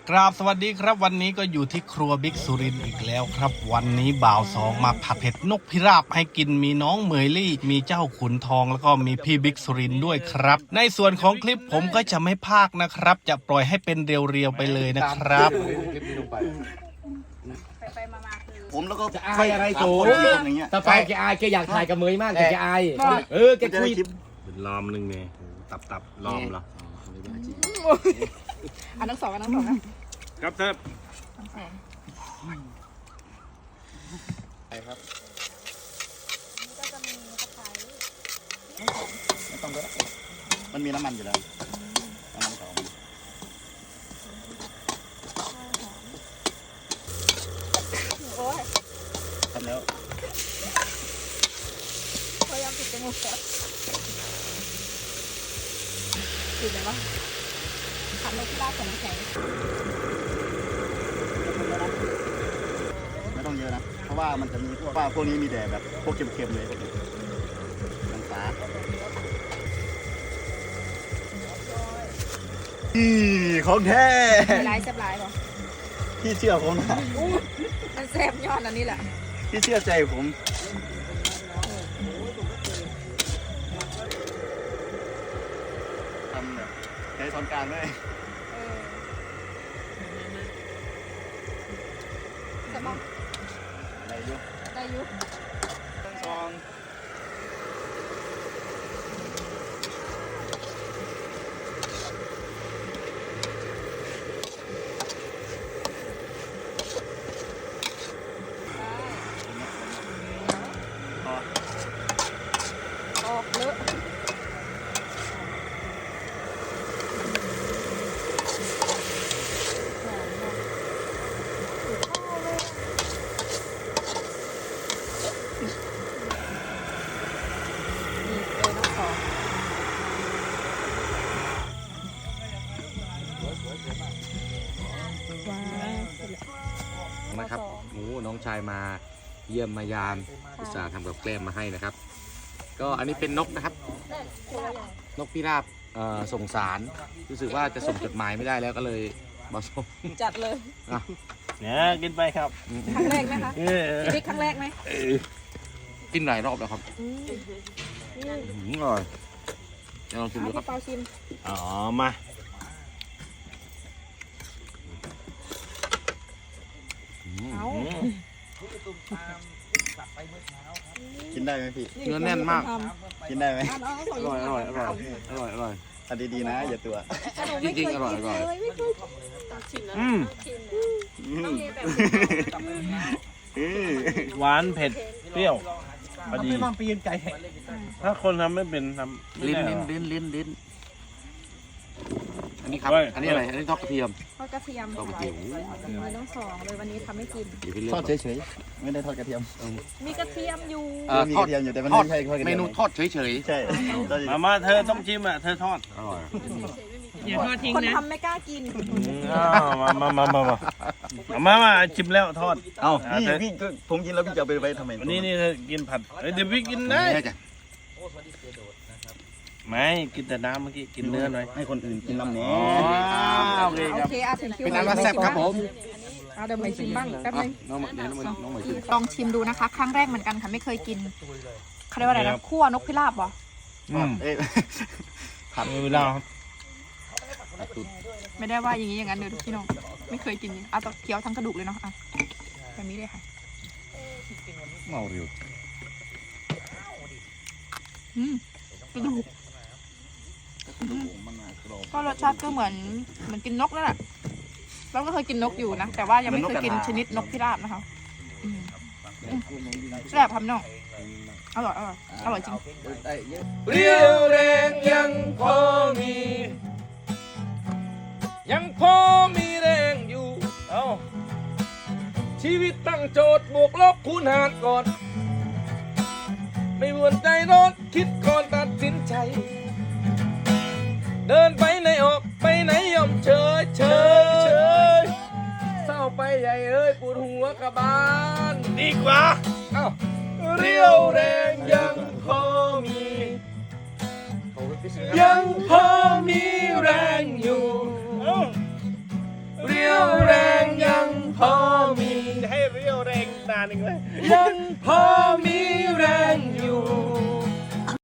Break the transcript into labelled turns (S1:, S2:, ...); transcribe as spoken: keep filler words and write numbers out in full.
S1: กราบสวัสดีครับวันนี้ก็อยู่ที่ครัวบิ๊กสุรินทร์อีกแล้วครับวันนี้บ่าวสองมาผัดเผ็ดนกพิราบให้กินมีน้องเหมยลี่มีเจ้าขุนทองแล้วก็มีพี่บิ๊กสุรินทร์ด้วยครับในส่วนของคลิปผมก็จะไม่พากนะครับจะปล่อยให้เป็นเรียวๆไปเลยนะครับ
S2: ไปๆมาๆคือ
S3: ผมแล้วก็
S4: จะอายอะไรโถถ้าไฟแกอายแกอยากถ่ายกับเมยมากแต่แกอายเออแกคุย
S1: เป็นล้อมนึงไงตับตับล้อมเหรอ
S2: อันทั้งสองอันทั้งสองนะครับ
S1: เทิบ
S2: ทั้งสอง
S3: ไปครับ
S2: นี่ก็จะมีตะไคร้
S3: ไม่ต้องด้วยมันมีน้ำมันอยู่แล้วน้ำมันหอม
S2: โอ้ย
S3: ทำแล้ว
S2: พยายามปิดจมูกแล้วปิดเลยวะขันนกพิราบกับน้ำแข็ง
S3: ไม่ต้องเยอะนะเพราะว่ามันจะมีพวกว่าพวกนี้มีแต่แบบพวกเค็มๆเลยพวกนี้น้ำตาอีของแท้
S2: ลายแซ่บลายป่ะ
S3: พี่เชื่อผมนะ
S2: มันแซ่บยอดอันนี้แหละ
S3: พี่เชื่อใจผมทำแบบใช้ช้อนกลางด้วย
S2: เออสมอง
S3: อะไรอยู่
S2: ได้ยุ
S3: ซองพอ
S2: ออกเลอะนี่เออน้องสองว้าวเสร็จแล้ว
S4: นะครับโอ้น้องชายมาเยี่ยมมายามอุตส่าห์ทำกับแกล้มมาให้นะครับ ก็อันนี้เป็นนกนะครับ นกพิราบเอ่อส่งสารรู้สึกว่าจะส่งจดหมายไม่ได้แล้วก็เลยมาส่ง
S2: จัดเลย
S4: อ่ะ
S1: เนี่ยกินไปครับ
S2: ครั้งแรกไหมคะ
S1: เออ
S2: ชีวิตครั้งแรกไหม
S4: กินหลายรอบแล้วครับ
S2: อืมนี่
S4: อืมอร่อยจะลองชิม
S2: เอา
S4: ดูครั
S2: พี่
S4: บ
S2: เปาชิม
S1: อ๋อมา
S4: อืม
S2: เอา
S3: กินได้ไหมพี่
S4: เนื้อแน่นมาก
S3: กินได้ไหม
S2: เอาเอาเอา
S4: อร่อยอร่อยอร่อยอร่อยอร่อย
S3: เอันดีๆนะอย่าตัว
S4: จริงๆอร่อยอร่อย
S2: ไม่เคย
S1: อืม
S3: อืมอืม
S1: หวานเผ็ดเปรี้ยวพอดีถ้าคนทำไม่เป็นทำไม่
S4: ลิ้น
S1: ได้
S4: ลิ้น
S1: หรอ
S4: ลิ้นลิ้นลิ้นอันนี้ครับ
S1: เฮ้ย
S4: อันนี้อะไรอันนี้ทอดกระเทียม
S2: ทอดกระเทียม
S4: ทอดกระเทียม
S2: มีน้องสองเลยวันนี้ทำให้กิน
S4: เดี๋ยวพี่เลื
S3: ท
S4: อ
S3: อก ดเฉยๆไม่ได้ทอดกระเทียม
S2: มีกระเทียมอยู่
S4: เอ่อ
S3: มี
S4: ท
S3: ก
S4: อด
S3: ระเทียมอยู่แต่มัน
S4: ทอด
S3: ไม่ใช่ทอดกระ
S4: เม
S3: เทียม
S4: นูทอดเฉย
S3: ใช่ทอด
S1: มามาเธอต้องชิมอ่ะเธอทอด
S4: ๆอร่อย
S5: อย่าทอดทิ้ง
S2: คน
S5: นะ
S2: ทำไม่กล้ากิน
S1: อ้าวมามามามามามามาชิมแล้วทอด
S3: เอ้า
S1: อ่ะ
S3: พี่
S1: เธอ
S3: พี่ก็ผมกินแล้วพี่จะเอาไปไว้ทำไม
S1: วันนี้นี่เธอกินผัดเอ้ยเดี๋ยวพี่กินได้
S4: ได้จ้ะ
S1: ไม่กินแต่น้ำเมื่อกี้กินเนื้อหน่อย
S3: ให้คนอื่นกินน้ำเนี้
S1: อ๋อโอเค
S2: โอ
S1: ครับ
S2: เคอาถึงคิว
S4: เป็นน้ำว่าแซ่บครับผม
S2: เอาเดี๋ยวไปชิมบ้างแป๊บ
S4: อ่ะ
S2: นึง
S4: น้องเดี๋ยวน้องมาน้องมาชิม
S2: ลองชิมดูนะคะ ครั้งแรกเหมือนกันค่ะไม่เคยกินเขาเรียกว่าอะไรนะคั่วนกพิราบเหรอ
S1: อืม
S3: เอ๊ะ
S1: ผัดเวลาครับ
S2: ไม่ได้ว่าอย่างนี้อย่างนั้นเดี๋ยวพี่น้องไม่เคยกินเอาตะเคี้ยวทั้งกระดูกเลยเนาะอ่ะแบบนี้เลยค่ะ
S4: เมาเร็ว
S2: อืมกระดูกก็รสชาติก็เหมือนเหมือนกินนกนั่นแหละเราก็เคยกินนกอยู่นะแต่ว่ายังไม่เคยกินชนิดนกพิราบนะคะอืมอืมแซ่บครับน้องอร่อยอร่อยอร่อยจริง
S5: เรียวแรงยังพอมี ยังพอมีแรงอยู่เอ้าชีวิตตั้งโจทย์บวกลบคูณหารก่อน ไม่วนใจร้อนคิดก่อนตัดสินใจ เดินไปไหนออกไปไหนย่อมเฉยเฉยเศร้าไปใหญ่เอ้ยปวดหัวกระบาล
S1: ดีกว่า
S5: เอ้าเรียวแรงยังพอมี ยังพอมีแรงอยู่ เรียวนานอีกไหม
S4: ยังพอมี